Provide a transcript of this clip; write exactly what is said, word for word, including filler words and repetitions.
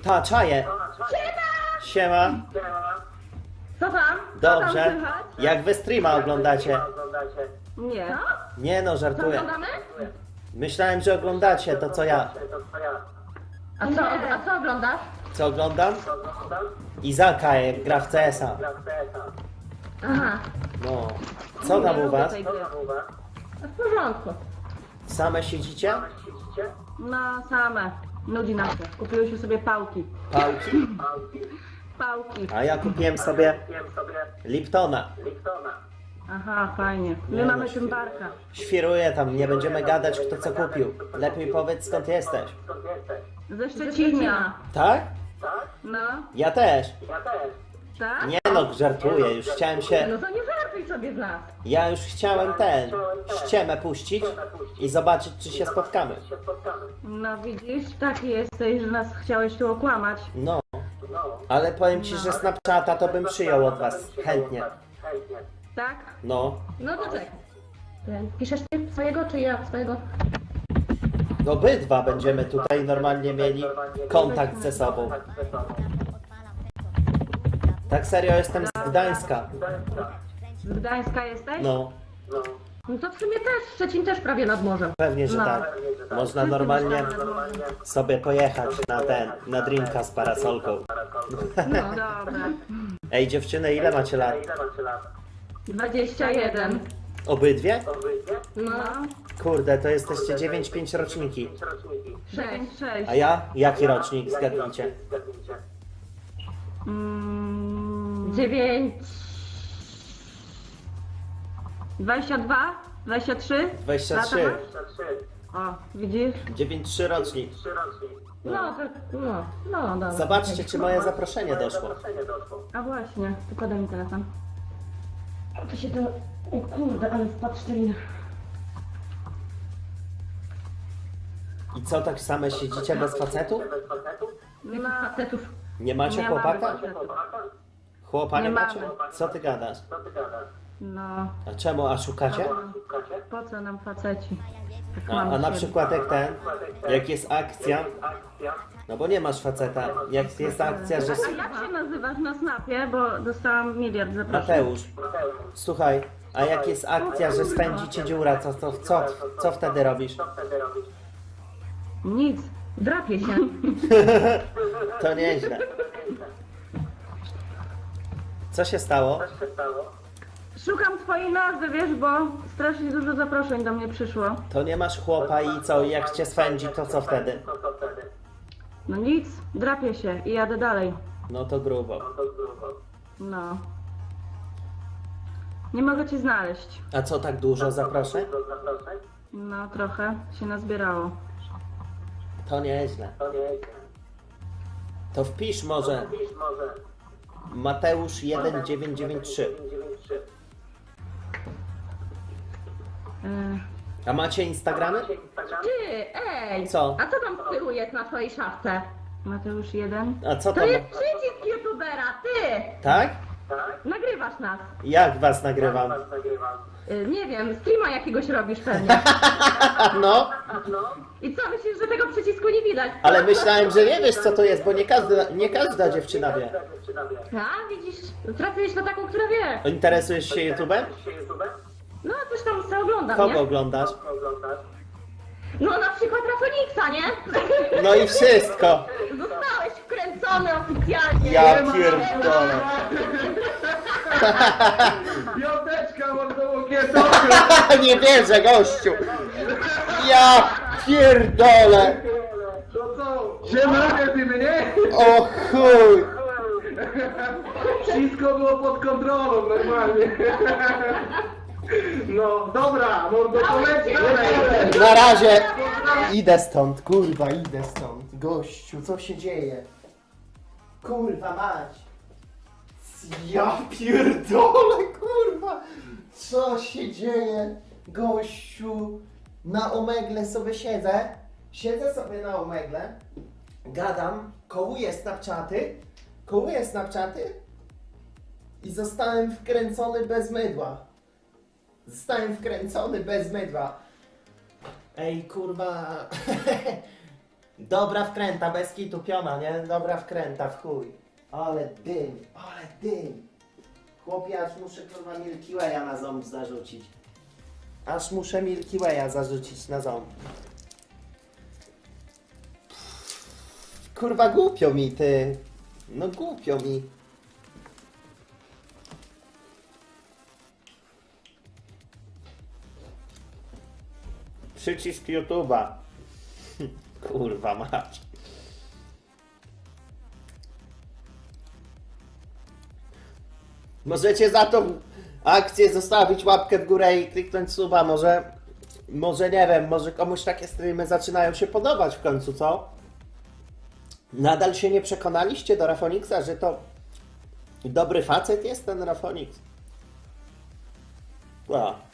Ta, czaję. Siema. Co tam? Co tam Dobrze. słychać? Jak wy streama oglądacie? Nie. Nie no, Co żartuję. oglądamy? Myślałem, że oglądacie to co ja. A co, a co oglądasz? Co oglądam? Izaka jak gra w C S a. Aha. No. Co tam Nie u lubię was? tej gry. W porządku. Same siedzicie? No same. Nudzi nam się. Kupiłyśmy sobie pałki. Pałki? Pałki. A ja kupiłem sobie Liptona. Aha, fajnie. My Nie, mamy no, tym barka. Świruję tam, nie będziemy gadać kto co kupił. Lepiej powiedz skąd jesteś. Ze Szczecina. Tak? No, Ja też. tak? Nie no, żartuję, już chciałem się... No to nie żartuj sobie z nas. Ja już chciałem ten... ściemę puścić i zobaczyć czy się spotkamy. No widzisz, taki jesteś, że nas chciałeś tu okłamać. No. Ale powiem ci, że Snapchata to bym przyjął od was chętnie. Tak? No. No to czekaj. Piszesz ty swojego, czy ja swojego? Obydwa będziemy tutaj normalnie mieli kontakt ze sobą. Tak serio, jestem z Gdańska. Z Gdańska jesteś? No, No to w sumie też, Szczecin też prawie nad morzem. pewnie, że No. tak. Można normalnie sobie pojechać na ten, na drinka z parasolką. No dobra. Ej dziewczyny, ile macie lat? dwadzieścia jeden. Obydwie? No. Kurde, to jesteście dziewięć pięć roczniki. sześć, sześć. A ja? Jaki rocznik? Zgadnijcie. Mm, dziewięć. dwadzieścia dwa? dwadzieścia trzy? dwadzieścia trzy. O, widzisz? dziewięć trzy rocznik. No, to, no, no dobra. Zobaczcie, czy moje zaproszenie doszło. A właśnie, to podaj mi telefon. To się to... O kurde, ale wpadł szczelina. I co, tak same siedzicie bez facetu? Nie ma facetów. Nie macie Nie mamy chłopaka? facetów. Chłopa nie Nie macie? mamy. Co ty gadasz? No, A czemu? A szukacie? po co nam faceci? Tak A, mamy a na siebie. przykład jak ten, jak jest akcja, no bo nie masz faceta, jak jest akcja, że... A jak się nazywasz na Snapie, bo dostałam miliard zaproszeń. Mateusz, słuchaj, a jak jest akcja, że spędzi cię dziura, co, co, co, co wtedy robisz? Nic, drapię się. To nieźle. Co się stało? Szukam twojej nazwy, wiesz, bo strasznie dużo zaproszeń do mnie przyszło. To nie masz chłopa i co, jak cię spędzi, to co wtedy? No nic, drapię się i jadę dalej. No to grubo. No. Nie mogę cię znaleźć. A co, tak dużo zaproszeń? No, trochę się nazbierało. To nieźle. To wpisz może Mateusz jeden dziewięć dziewięć trzy. E, A macie Instagramy? Ty, ej! Co? A co tam z tyłu jest na twojej szafce? Mateusz jeden. A co To tam? jest przycisk youtubera, ty! Tak? Nagrywasz nas. Jak was nagrywam? Y, nie wiem, streama jakiegoś robisz pewnie. No, I co, myślisz, że tego przycisku nie widać? ale myślałem, że nie wiesz co to jest, bo nie każda, nie każda dziewczyna wie. A, widzisz, trafiłeś na taką, która wie. Interesujesz się YouTube'em? No, coś tam sobie oglądam, Kogo nie? oglądasz? No, na przykład Rafoniksa, nie? No i wszystko. Zostałeś wkręcony oficjalnie. Ja pierdolę. Piąteczka mordołokieto! Nie wierzę, gościu. Ja pierdolę. To co? Siemano, ty mnie? O chuj. Wszystko było pod kontrolą, normalnie. No, dobra, mordo, poleć dalej. Na razie. Idę stąd, kurwa, idę stąd. Gościu, co się dzieje? Kurwa mać. Ja pierdolę, kurwa. Co się dzieje? Gościu, na omegle sobie siedzę. Siedzę sobie na omegle. Gadam, kołuję Snapchaty. Kołuję Snapchaty. I zostałem wkręcony bez mydła. Zostałem wkręcony bez mydła. Ej, kurwa. Dobra wkręta, bez kitu, piona, nie? Dobra wkręta, w chuj. Ale dym, ale dym. Chłopie, aż muszę kurwa Milky Way'a na ząb zarzucić. Aż muszę Milky Way'a zarzucić na ząb. Kurwa głupio mi, ty. No głupio mi. Przycisk YouTube'a. Kurwa mać. Możecie za tą akcję zostawić łapkę w górę i kliknąć suba. Może, może nie wiem, może komuś takie streamy zaczynają się podobać w końcu, co? Nadal się nie przekonaliście do Rafoniksa, że to dobry facet jest ten Rafonix? Wow.